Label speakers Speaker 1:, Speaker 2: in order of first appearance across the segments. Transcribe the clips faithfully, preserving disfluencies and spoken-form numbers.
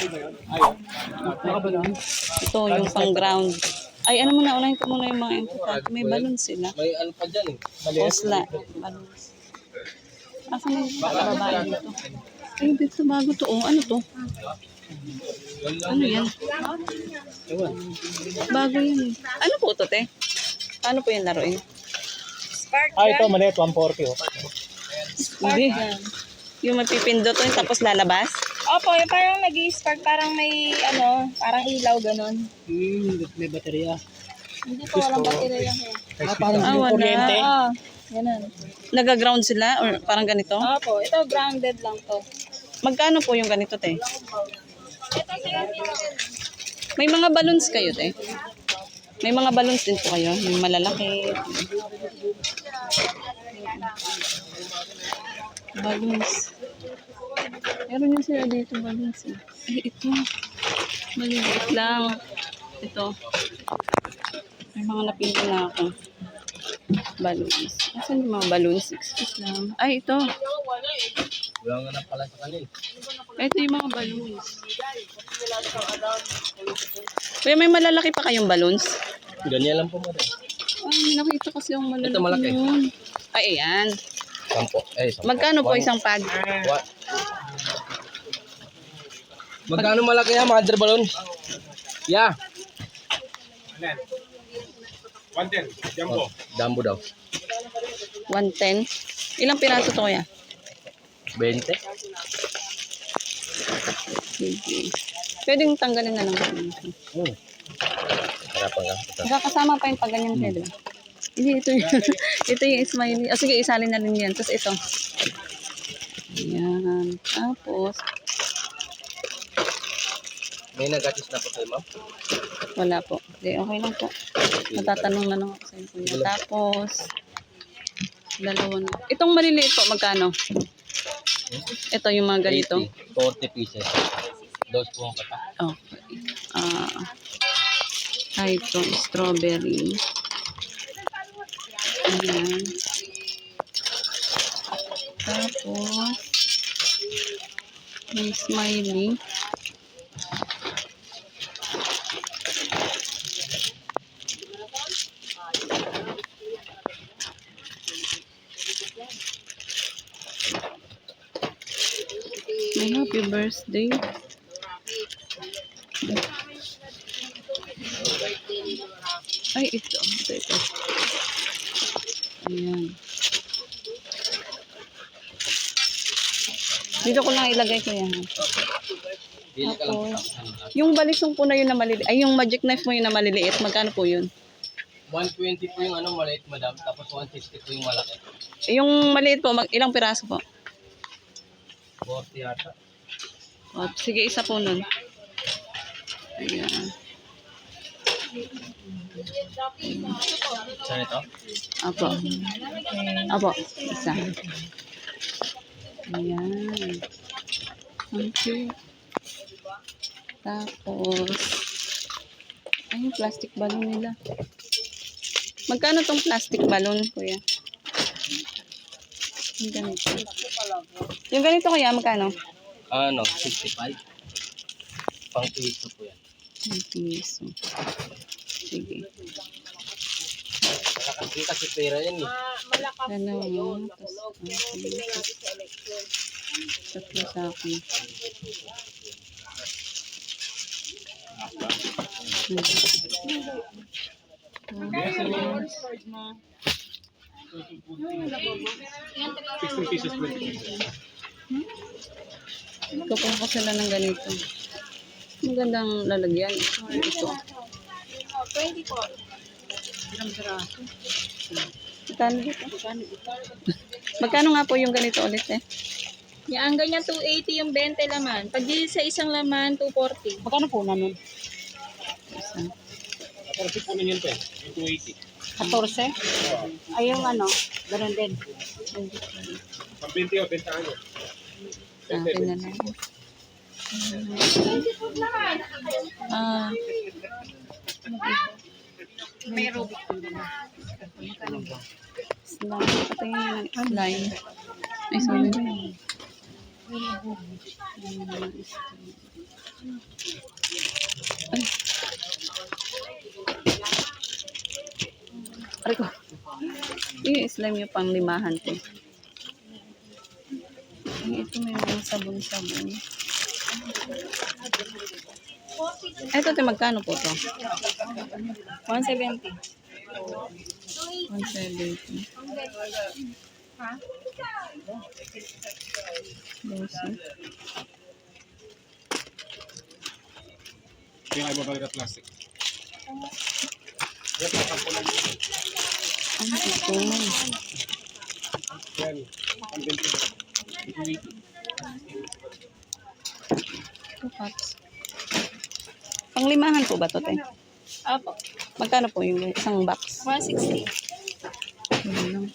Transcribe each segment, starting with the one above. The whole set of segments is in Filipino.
Speaker 1: Ito yung pang ground. Ay, ano muna, unahin ko muna yung mga importante. May balon sila.
Speaker 2: May ano pa dyan eh.
Speaker 1: Osla. Balons. Asa na yung babae dito? Ay, dito bago to. Oh, ano to? Ano yan? Bago yan. Ano po to, te? Paano po yung laruin?
Speaker 3: Ah, ito maliit, one forty oh.
Speaker 1: Hindi. Yung mapipindot to, yung tapos lalabas?
Speaker 4: Opo, yung parang nag-i-spark, parang may ano, parang ilaw ganon.
Speaker 3: Hmm, may baterya.
Speaker 4: Hindi po, walang baterya yan.
Speaker 3: Ah, parang
Speaker 1: Ah,
Speaker 3: yung
Speaker 1: wala.
Speaker 3: kuryente.
Speaker 4: Oo, ganon.
Speaker 1: Nagaground sila? Or parang ganito?
Speaker 4: Opo, ito grounded lang to.
Speaker 1: Magkano po yung ganito, te?
Speaker 4: Ito siya.
Speaker 1: May mga balloons kayo, te? May mga balloons din po kayo? Yung malalaki. Balloons. Meron yun sila dito, balloons. Eh. Ay, ito. Maliliit lang. Ito. May mga napili na ako. Balloons. Asan yung mga balloons? Excuse lang. Ay, ito.
Speaker 2: Wala nga na pala sa kanil.
Speaker 1: Ito yung mga balloons. Kuya, may malalaki pa kayong balloons?
Speaker 2: Ganyan lang po mo rin.
Speaker 1: Ay, may nakita kasi yung malalaki.
Speaker 2: Ito malaki.
Speaker 1: Yun. Ay, ayan.
Speaker 2: Sampo. Eh, sampo.
Speaker 1: Magkano po
Speaker 2: One-
Speaker 1: isang pad?
Speaker 2: What? Magkano malaki yan, mother balloon? Yeah.
Speaker 5: one ten, jumbo.
Speaker 2: Dambo daw.
Speaker 1: one ten. Ilang piraso to kuya?
Speaker 2: twenty.
Speaker 1: Sige. Pwedeng tanggalin na lang.
Speaker 2: Hmm. Harapan ka. Ito.
Speaker 1: Magkakasama pa yung pag ganyan kayo, diba? Hindi, ito yung, ito yung smiley. O sige, isalin na rin yan. Tapos ito. Ayan. Tapos,
Speaker 2: May nagatis na po kayo, ma'am?
Speaker 1: wala po. Hindi, okay lang po. Matatanong na lang ako sa inyo. Kuya. Tapos, dalawa na. Itong maliliit po, magkano? Ito yung mga ganito.
Speaker 2: eighty. forty pieces. Dos po ang kata.
Speaker 1: Okay. Ah, ay, ito, strawberry. Ayan. Tapos, may smiley. May happy birthday. Ay, ito. Ito, ito. Ayan. Dito ko lang ilagay ko yan.
Speaker 2: Bili ka lang.
Speaker 1: Tapos, yung balisong po na yun na maliliit, ay yung magic knife mo yun na maliliit, magkano po yun?
Speaker 2: one twenty po yung ano, maliit, madam. Tapos one sixty po yung malaki.
Speaker 1: Yung maliit po, mag, ilang piraso po?
Speaker 2: forty yata.
Speaker 1: O, sige, isa po nun. Ayan.
Speaker 2: Saan ito?
Speaker 1: Apo. Apo, isa. Ayan. Thank you. Tapos, ay, yung plastic balloon nila. Magkano tong plastic balloon, kuya? Yung ganito. Yung ganito, kuya, magkano?
Speaker 2: Ano, sixty-five. Pang piso po yan.
Speaker 1: Ang piso. Sige.
Speaker 2: Malakas din kasi pera yan eh.
Speaker 1: Dalawa. Tapos, tatlo sa akin.
Speaker 5: sixteen pieces, twenty pieces.
Speaker 1: Kukuha ko sila ng ganito. Magandang lalagyan. Ito.
Speaker 4: twenty-four.
Speaker 1: Magkano dito? Magkano nga po yung ganito ulit eh?
Speaker 4: Yung ang ganyan two eighty yung twenty laman. Pag di sa isang laman, two forty.
Speaker 3: Magkano po namin?
Speaker 1: Isa.
Speaker 5: Kasi po yun po eh, yung two eighty.
Speaker 3: fourteen? Ay, yung ano, ganun din.
Speaker 5: Pag twenty o, benta ano.
Speaker 1: Sa akin na lang. Ah.
Speaker 3: May Rubik.
Speaker 1: Slime. Patingin na ng slime. Ay, sorry. Ay. Aray ko. Yung slime yung pang limahan ko. Ito may mga sabon-sabon. Ito, ito magkano po to?
Speaker 4: one seventy.
Speaker 1: one seventy. Lucy.
Speaker 5: Kaya mo talaga plastic.
Speaker 1: Ano ito?
Speaker 5: Yan. one twenty.
Speaker 1: Ito, cups. Panglimahan po ba ito, te?
Speaker 4: Apo.
Speaker 1: Magkano po yung isang box?
Speaker 4: one sixty.
Speaker 1: Yun lang.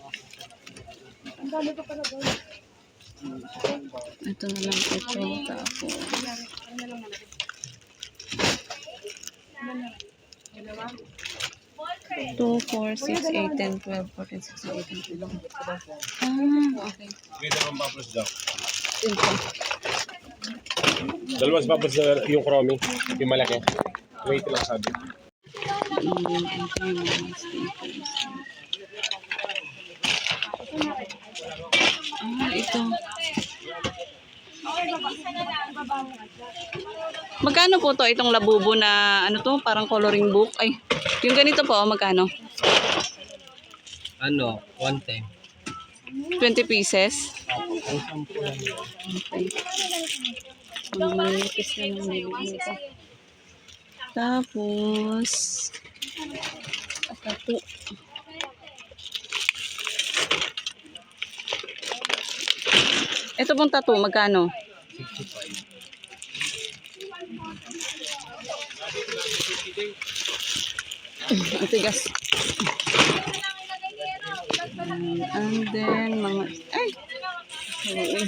Speaker 1: Ito na lang ito. Tapos. two, four, six, eight, ten, twelve, fourteen, sixteen, eighteen. Ah, okay.
Speaker 5: May dalawang bubbles daw.
Speaker 1: Yun po.
Speaker 5: Dalawang bubbles na yung chromie. Yung malaki. Wait lang sabi.
Speaker 1: Mm, ito yung mga stickers. Ah, ito. Magkano po to itong labubo na ano to, parang coloring book? Ay, yung ganito po, magkano?
Speaker 2: Ano, one time.
Speaker 1: twenty pieces.
Speaker 2: Ang sampu lang yun.
Speaker 1: Okay. Mga manipis na ng nilibig nito. Tapos, tato. Ito pong tattoo, magkano?
Speaker 2: sixty-five.
Speaker 1: Ang tigas. And then, mga... Ay! Sorry.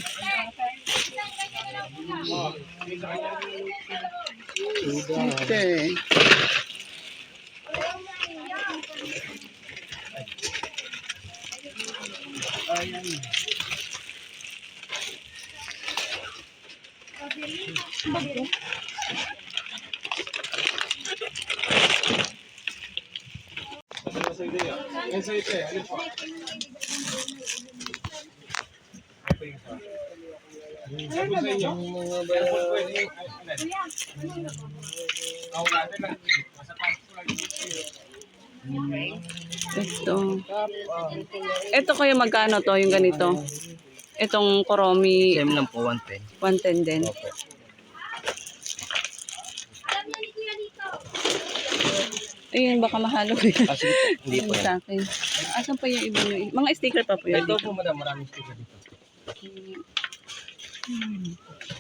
Speaker 1: Okay.
Speaker 5: Ano sa ideya? Yan sa ito eh. Alin po? Ito yung sa... Sabi sa inyo. Yan po po yun. Ako natin lang. Nasa taas ko lang yung
Speaker 1: Ito. Ito kayo magkano to, yung ganito? Itong koromi,
Speaker 2: Same lang po, one ten.
Speaker 1: one ten din.
Speaker 2: Opo.
Speaker 1: Ayun, baka mahalo ko yan.
Speaker 2: Kasi hindi po yan.
Speaker 1: Sa akin. Asan pa yung iba nyo? Mga sticker pa po yun.
Speaker 2: Ito po madam, maraming sticker dito.
Speaker 1: Hmm.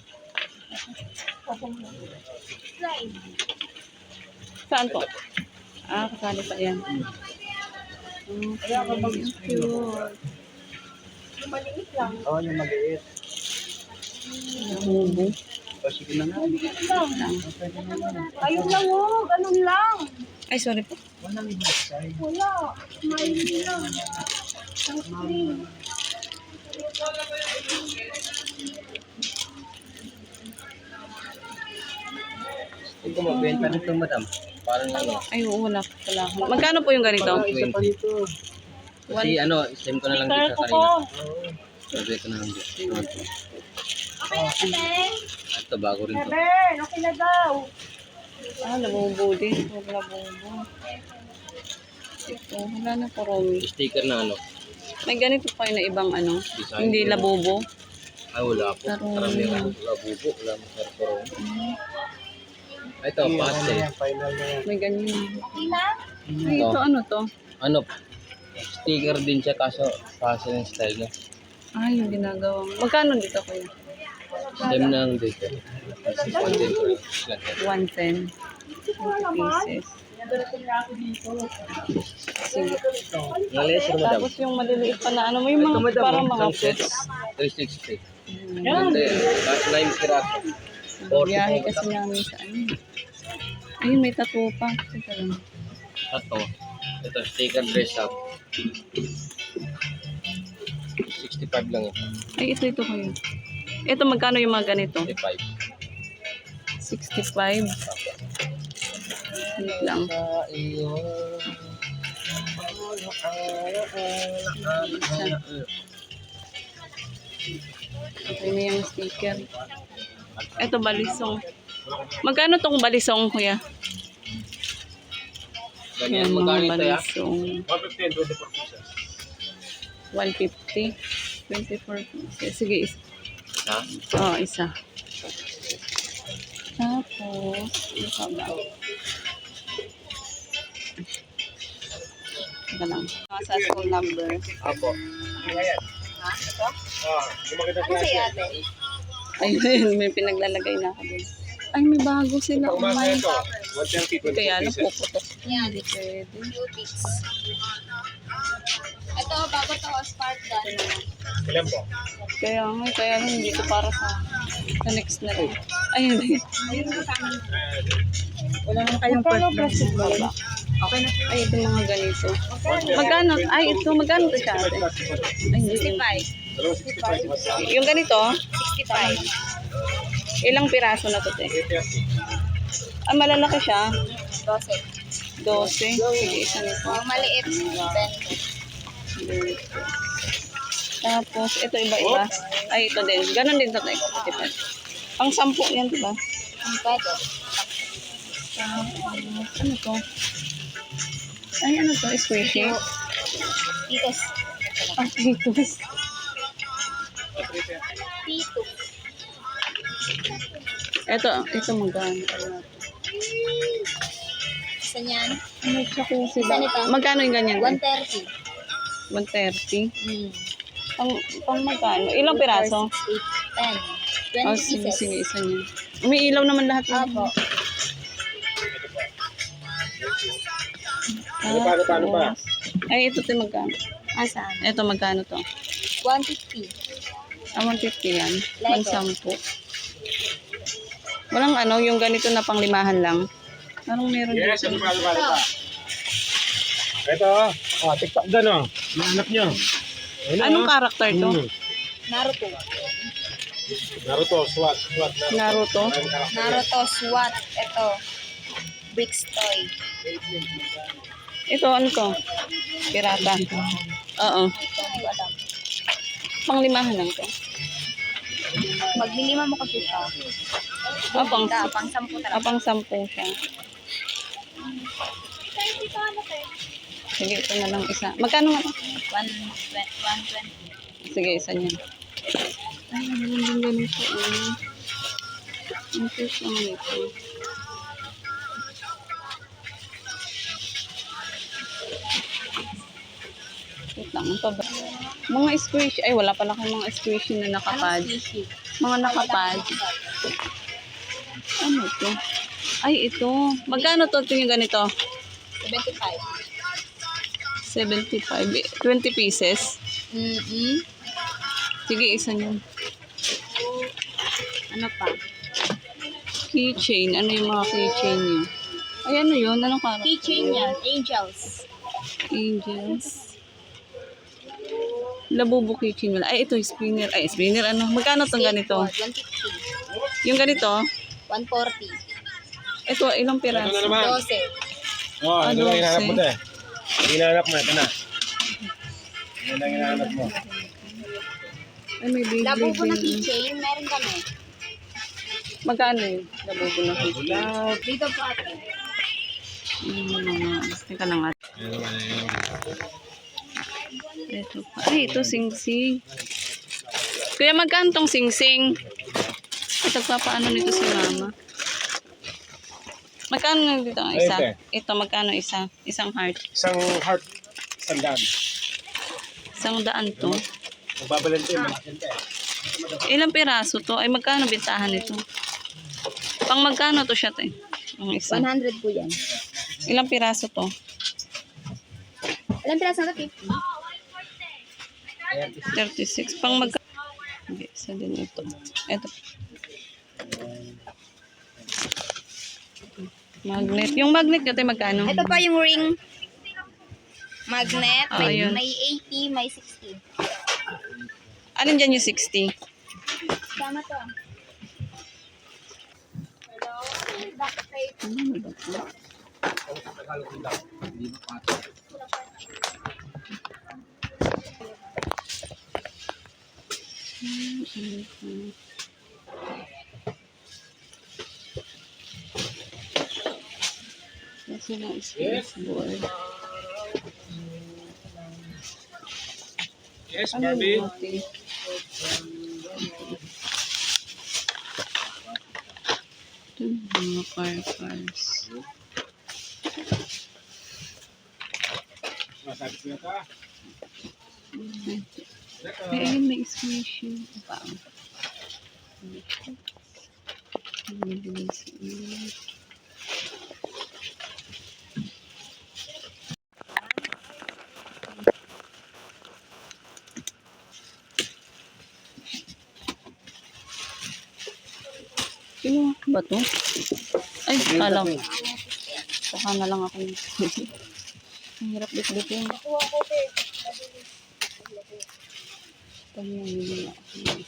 Speaker 1: Saan po? Ah, kasali pa yan. Okay, cute.
Speaker 2: Oo, yung mag-iit.
Speaker 1: Nahubo.
Speaker 2: O, sige na nga.
Speaker 3: Ayun lang oh, ganun lang.
Speaker 1: Ay, sorry po.
Speaker 2: Walang ibang size.
Speaker 3: Wala, smiley lang. Ang screen.
Speaker 2: Hindi ko magbenta nito madam. Parang ano.
Speaker 1: Ay, oo, wala po pala ako. Magkano po yung ganito?
Speaker 2: twenty. Kasi ano, same ko na lang dito sa kanina. Sabi ko na lang dito. Ito, bago rin to.
Speaker 3: Ben, okay na daw.
Speaker 1: Ah, nabubo din. Huwag nabubo. Ito, wala na koromi.
Speaker 2: Sticker na ano.
Speaker 1: May ganito pa yun na ibang ano.
Speaker 2: Design.
Speaker 1: Hindi labubo.
Speaker 2: Ay, wala po.
Speaker 1: Tarong.
Speaker 2: Karamihan. Wala bubo. Wala masarap. Ito, pastel.
Speaker 1: May ganyan. Ay, ito ano to?
Speaker 2: Ano, sticker din siya kaso pastel yung style niya.
Speaker 1: Ah, yung ginagawa. Magkano dito kuya?
Speaker 2: Same na lang dito. Pastel ko.
Speaker 1: one ten. twenty pieces. Sige.
Speaker 2: Nalaser madam.
Speaker 1: Tapos yung maliliit pa na ano mo, yung
Speaker 2: Ito
Speaker 1: mga
Speaker 2: madam,
Speaker 1: parang mga
Speaker 2: isang set.
Speaker 1: fruits.
Speaker 2: three sixty.
Speaker 1: Yan.
Speaker 2: Ganda yan. Last nine piraso.
Speaker 1: Biyahe kasi namin sa ano. Ayun, may tattoo pa. Teka lang.
Speaker 2: Ito. Ito, sticker dress up. sixty-five lang yun.
Speaker 1: Ay, ito, ito kayo. Ito, magkano yung mga ganito?
Speaker 2: fifty-five.
Speaker 1: sixty-five. Wait lang.
Speaker 2: Sa iyo.
Speaker 1: Okay na yung sticker. Ito, balisong. Magkano tong balisong, kuya?
Speaker 2: Ganyan,
Speaker 1: Yung
Speaker 2: magkano
Speaker 1: mga
Speaker 2: ito ya?
Speaker 1: balisong.
Speaker 5: one fifty and twenty-four pieces.
Speaker 1: one fifty. twenty-four pieces. Sige, isa.
Speaker 2: Ha?
Speaker 1: Oo, isa. Tapos, ano pa ba? Ito lang. Mga sa school number.
Speaker 5: Apo. Ayan.
Speaker 3: Ha? Ito?
Speaker 5: Ah, yung maganda
Speaker 3: Ano sa'yo ate?
Speaker 1: Ayun, may pinaglalagay na ako dun. Ay, may bago sila. Oh
Speaker 5: Pangmasa
Speaker 1: my.
Speaker 5: ito. one thirty, twenty-four
Speaker 1: Kaya lang
Speaker 5: pieces.
Speaker 1: puputok.
Speaker 3: Yan.
Speaker 1: Hindi pwede.
Speaker 3: Cuties. Ito, bago to, spark gun.
Speaker 5: Ilan po?
Speaker 1: Kaya nga, kaya lang hindi ko para sa sa next na rin. Ayun.
Speaker 3: Ayun ko sa amin.
Speaker 1: Wala naman kayong plastic baba.
Speaker 3: Okay na po.
Speaker 1: Ay, ito mga ganito. Magkano? Ay, ito, magkano ito siya ate? Ay, hindi.
Speaker 3: sixty-five.
Speaker 5: Dalawang sixty-five.
Speaker 1: Yung ganito,
Speaker 3: sixty-five.
Speaker 1: ilang piraso na to, te?
Speaker 5: eight thirty.
Speaker 1: Ah, malalaki siya.
Speaker 3: twelve.
Speaker 1: twelve. Sige, isa nito.
Speaker 3: Yung maliit, twenty.
Speaker 1: Tapos, ito iba-iba. Ay, ito din. Ganon din to, te. Tipid. Pang sampu yan, diba?
Speaker 3: Ang pwede.
Speaker 1: Tapos, ano to? Ay, ano to? Squishy?
Speaker 3: Titos.
Speaker 1: Ah, titos.
Speaker 3: Tito.
Speaker 1: Ito, ito magkano.
Speaker 3: Isa niyan.
Speaker 1: Ano siya kung
Speaker 3: Isa nito.
Speaker 1: Magkano yung ganyan?
Speaker 3: one thirty.
Speaker 1: one thirty.
Speaker 3: Hmm.
Speaker 1: Pang, pang magkano? Ilang piraso?
Speaker 3: eight, ten. twenty
Speaker 1: Oh, sige,
Speaker 3: pieces.
Speaker 1: sige, isa niya. May ilaw naman lahat. yun.
Speaker 3: Apo.
Speaker 5: Ano pa, ano pa, ano pa?
Speaker 1: Ay, ito to magkano?
Speaker 3: Asan?
Speaker 1: Ito magkano to?
Speaker 3: one fifty.
Speaker 1: Ah, one fifty yan.
Speaker 3: Lego.
Speaker 1: Pang sampu. Walang ano, yung ganito na pang limahan lang. Anong meron
Speaker 5: Yes,
Speaker 1: dito?
Speaker 5: ano pa, ano pa, ano pa? Ito, oh, TikTok doon, oh. Yung anak nyo. Ayun,
Speaker 1: Anong
Speaker 5: oh.
Speaker 1: karakter to?
Speaker 5: Hmm.
Speaker 3: Naruto.
Speaker 5: Naruto, SWAT, SWAT, Naruto.
Speaker 1: Naruto?
Speaker 5: Maraming karakter.
Speaker 3: Naruto, SWAT. Ito. Bricks toy.
Speaker 1: Ito, ano to? Pirata. Oo.
Speaker 3: Ito, hindi ko alam.
Speaker 1: Pang limahan lang to.
Speaker 3: Maglilima mo kasi siya.
Speaker 1: Ah, pang,
Speaker 3: Da, pang sampu
Speaker 1: ah,
Speaker 3: talaga.
Speaker 1: pang sampu siya. Sige, ito na lang isa. Magkano nga?
Speaker 3: one twenty.
Speaker 1: Sige, isa niya. Ay, meron din ganito. Ano? Ang cute naman ito. Wait lang, ito ba? Mga squish. Ay, wala pala kang mga squishy na nakapad.
Speaker 3: Fishy.
Speaker 1: Mga nakapad. Ano to? Ay, ito. Magkano to ito yung ganito?
Speaker 3: seventy-five.
Speaker 1: seventy-five. twenty pieces.
Speaker 3: Mm-hmm.
Speaker 1: Sige, isa niyan.
Speaker 3: Ano pa?
Speaker 1: Keychain. Ano yung mga keychain niyo? Ay, ano yun? Anong karakter?
Speaker 3: Keychain yan. Angels.
Speaker 1: Angels. Labubo keychain wala. Ay, ito, spinner. Ay, spinner, ano? Magkano tong ganito?
Speaker 3: one fifty.
Speaker 1: Yung ganito,
Speaker 3: one forty.
Speaker 1: ito, ilang
Speaker 5: Ito na
Speaker 1: piraso?
Speaker 5: naman.
Speaker 3: twelve.
Speaker 5: Oh,
Speaker 1: Ah,
Speaker 5: ito lang hinahanap mo
Speaker 1: dose.
Speaker 5: na eh. Hinahanap mo, ito na. Ito lang hinahanap mo.
Speaker 1: Ay, may baby.
Speaker 3: Labubo na
Speaker 1: din.
Speaker 3: keychain, meron kami.
Speaker 1: Magkano yun? Labubo na keychain.
Speaker 5: Wala.
Speaker 3: Dito po ate.
Speaker 1: Yung mga, teka lang at.
Speaker 5: Ayun naman, ayun naman.
Speaker 1: Ito pa. Ay, ito, sing-sing. Kuya, magkano tong sing-sing? Ito, papaano nito si mama? Magkano nga dito ang isa?
Speaker 5: Ay,
Speaker 1: Ito, magkano isa? Isang heart.
Speaker 5: Isang heart, isang daan.
Speaker 1: Isang daan to.
Speaker 5: Magbabalante, malakente eh.
Speaker 1: Ilang piraso to? Ay, magkano bintahan nito? Pang magkano to siya, te? Ang isa.
Speaker 3: one hundred po yan.
Speaker 1: Ilang piraso to?
Speaker 3: Ilang piraso na fifty?
Speaker 1: thirty-six. Pang magkano? Hindi, isa din ito. Ito. Magnet. Yung magnet natin magkano?
Speaker 3: Ito pa yung ring magnet.
Speaker 1: Ah,
Speaker 3: May,
Speaker 1: yun.
Speaker 3: may eighty, may sixty.
Speaker 1: Alin dyan yung sixty?
Speaker 3: Saan
Speaker 4: Tama to.
Speaker 1: Ano ba ito?
Speaker 2: Hindi ba pa?
Speaker 1: Hmm, ano ito? Kasi na space board.
Speaker 5: Yes,
Speaker 1: Ano
Speaker 5: Barbie.
Speaker 1: yung ate? Ito mga car cars.
Speaker 5: Masabi ko na ta.
Speaker 1: Ay, ayun may squishy. Pa. Sino ba to? Ay, alam. Saka na lang ako. Ang hirap bitbitin. Ito yung hindi ako.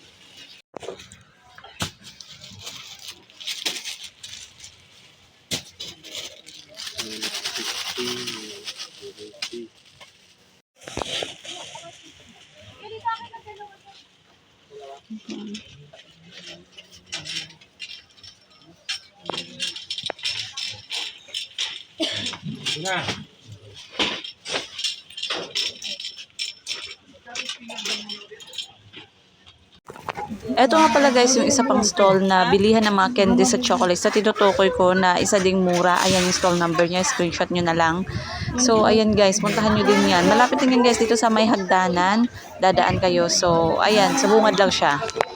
Speaker 5: Ito na.
Speaker 1: Ito nga pala guys, yung isa pang stall na bilihan ng mga candies at chocolates na tinutukoy ko na isa ding mura. Ayan yung stall number niya, screenshot nyo na lang. So ayan guys, puntahan nyo din yan. Malapit din yan guys dito sa may hagdanan, dadaan kayo. So ayan, sa bungad lang siya.